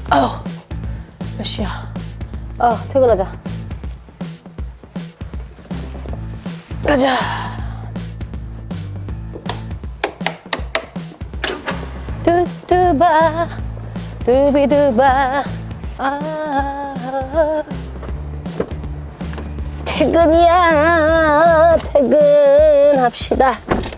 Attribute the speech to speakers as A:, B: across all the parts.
A: 아유, 몇 시야? 아, 퇴근하자. 가자. 뚜뚜바, 뚜비뚜바. 아, 퇴근이야. 퇴근합시다.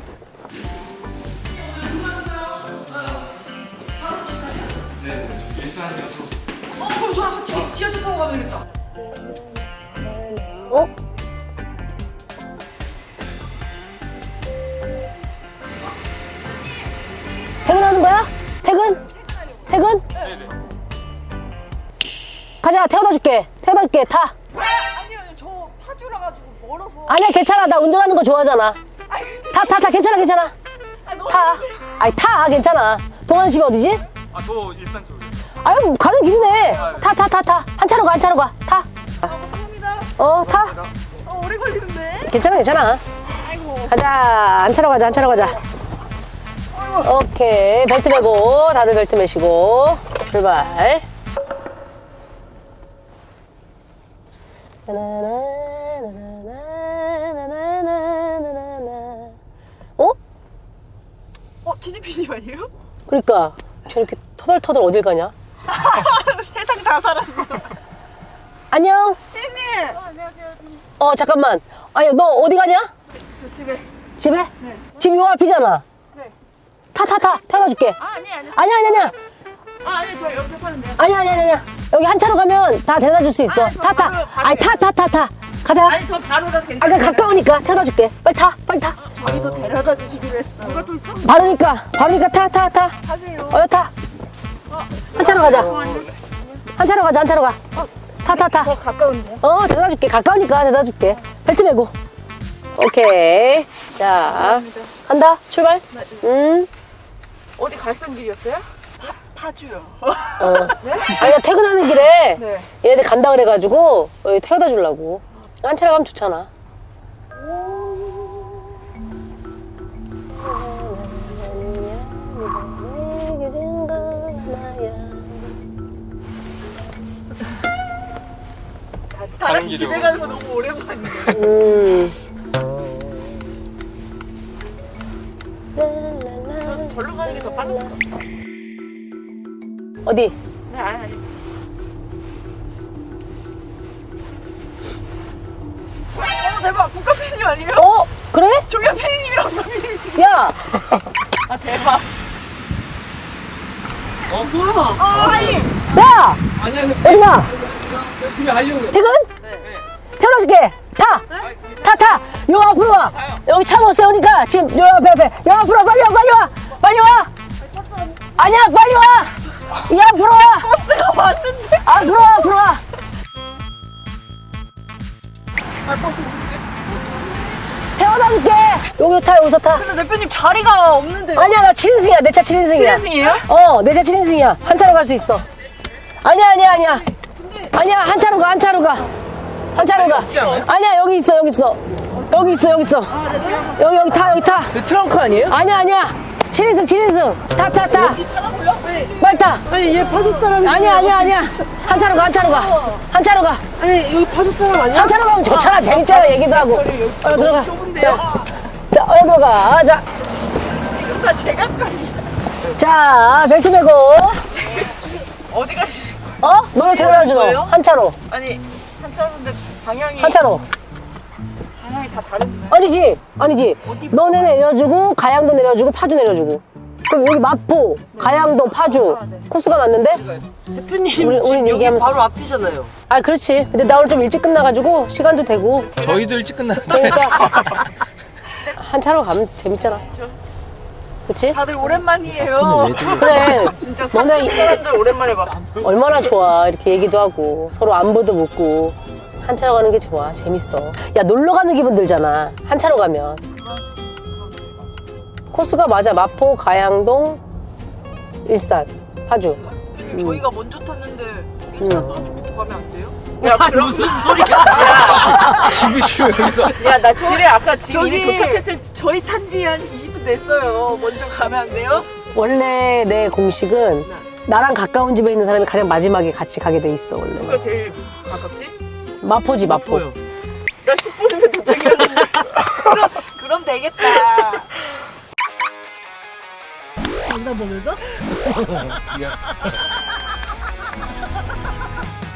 B: 그럼 저랑 같이 지하철 타고 가면 되겠다.
A: 어? 퇴근하는 거야? 퇴근? 퇴근?
B: 네네.
A: 가자, 태워다 줄게. 태워다 줄게. 타.
B: 아니요, 저 파주라 가지고 멀어서.
A: 아니야, 괜찮아. 나 운전하는 거 좋아하잖아.
B: 아이,
A: 타. 괜찮아, 괜찮아.
B: 너무
A: 타. 아니, 타. 괜찮아. 동환이 집이 어디지?
C: 저 일산 쪽이요.
A: 아유, 가는 길이네. 타. 한 차로 가. 타.
B: 감사합니다.
A: 타.
B: 오래 걸리는데.
A: 괜찮아.
B: 아이고.
A: 가자. 한 차로 가자. 오케이. 벨트 매고, 다들 벨트 매시고, 출발. 어?
B: 최진P님 아니에요?
A: 그러니까 저렇게 터덜터덜 어딜 가냐?
B: 세상 다 살았어.
A: 안녕.
B: 피디님. 안녕하세요.
A: 잠깐만. 아니 너 어디 가냐?
B: 저 집에.
A: 집에? 네. 집 요 앞이잖아.
B: 네.
A: 타. 태워다 줄게. 아니야.
B: 아니, 저 여기서 파는데요.
A: 아니야. 여기 한 차로 가면 다 데려다 줄 수 있어. 타.
B: 바로
A: 아니 타. 가자.
B: 아니, 저 바로라 괜찮아요.
A: 그냥 가까우니까 태워다 줄게. 빨리 타.
B: 저희도 데려다 주시기로 했어. 누가 또 있어?
A: 바로니까 타.
B: 하세요.
A: 타. 한 차로 가자. 한 차로 가. 타.
B: 더 가까운데요?
A: 데려다 줄게. 가까우니까 데려다 줄게. 벨트 매고. 오케이. 자, 간다. 출발.
B: 어디 갈선 길이었어요? 파주요.
A: 아니, 나 퇴근하는 길에
B: 네.
A: 얘네들 간다 그래가지고 여기 태워다 주려고. 한 차로 가면 좋잖아.
B: 다 같이 집에 가는 거 너무 오랜만이에요. 전 절로 가는 게 더 빨랐을 것 같아요.
A: 어디?
B: 네, 아니. 대박! 국가 PD님 아니에요?
A: 그래?
B: 종현 PD님이랑 국가 PD님.
A: 야!
B: 아, 대박. 뭐야? 하이!
A: 야!
C: 아니야,
A: 어디가?
C: 열심히 하려고요.
A: 퇴근? 태워다 줄게. 타! 요 앞으로 와. 여기 차 못 세우니까 지금 요 앞에. 요 앞으로 와. 빨리 와. 아니야, 빨리 와. 이 앞으로 와.
B: 버스가 왔는데?
A: 앞으로 와. 태워다 줄게. 여기서 타.
B: 근데 대표님 자리가 없는데.
A: 아니야, 나 7인승이야. 내 차 7인승이야.
B: 7인승이에요?
A: 내 차 7인승이야. 한 차로 갈 수 있어. 아니야. 아니야, 한 차로 가. 아니야, 여기 있어. 여기 타.
B: 트렁크 아니에요?
A: 아니야. 7인승. 타. 빨리 타.
B: 아니, 얘 파주 사람이.
A: 아니야. 한 차로 가.
B: 아니, 여기 파주 사람 아니야?
A: 한 차로 가면 좋잖아. 재밌잖아. 얘기도 하고. 들어가. 자, 들어가. 자,
B: 지금 다 제각각이야.
A: 자, 벨트 매고.
B: 어디 가시지?
A: 너를 데려다 주러.
B: 거예요?
A: 한 차로.
B: 아니, 한 차로인데 방향이.
A: 한 차로.
B: 방향이 다 다른데.
A: 아니지. 너네 내려주고, 가양도 내려주고, 파주 내려주고. 그럼 여기 마포, 가양동, 파주. 코스가 맞는데?
B: 대표님,
A: 우린 얘기하면서.
B: 바로 앞이잖아요.
A: 아, 그렇지. 근데 나 오늘 좀 일찍 끝나가지고, 시간도 되고.
C: 저희도 일찍 끝났는데.
A: 그러니까. 한 차로 가면 재밌잖아. 그치?
B: 다들 오랜만이에요.
A: 그래.
B: 진짜
A: 너네
B: 사람들 오랜만에 봐.
A: 얼마나 좋아. 이렇게 얘기도 하고, 서로 안부도 묻고. 한 차로 가는 게 좋아. 재밌어. 야, 놀러 가는 기분 들잖아. 한 차로 가면. 코스가 맞아. 마포, 가양동, 일산, 파주.
B: 저희가 먼저 탔는데 일산 파주부터 가면 안 돼요?
D: 야, 무슨 소리야?
C: 집이 여기서.
D: 야, 나 집에 아까 지금 이미
B: 저기
D: 도착했을
B: 저희 탄지 한 20분 됐어요. 먼저 가면 안 돼요?
A: 원래 내 공식은 나랑 가까운 집에 있는 사람이 가장 마지막에 같이 가게 돼 있어 원래.
D: 누가 제일 가깝지?
A: 마포지 마포.
B: 보여.
D: 나 10분이면 도착이었는데.
B: 그럼 되겠다.
A: 장난 보면서?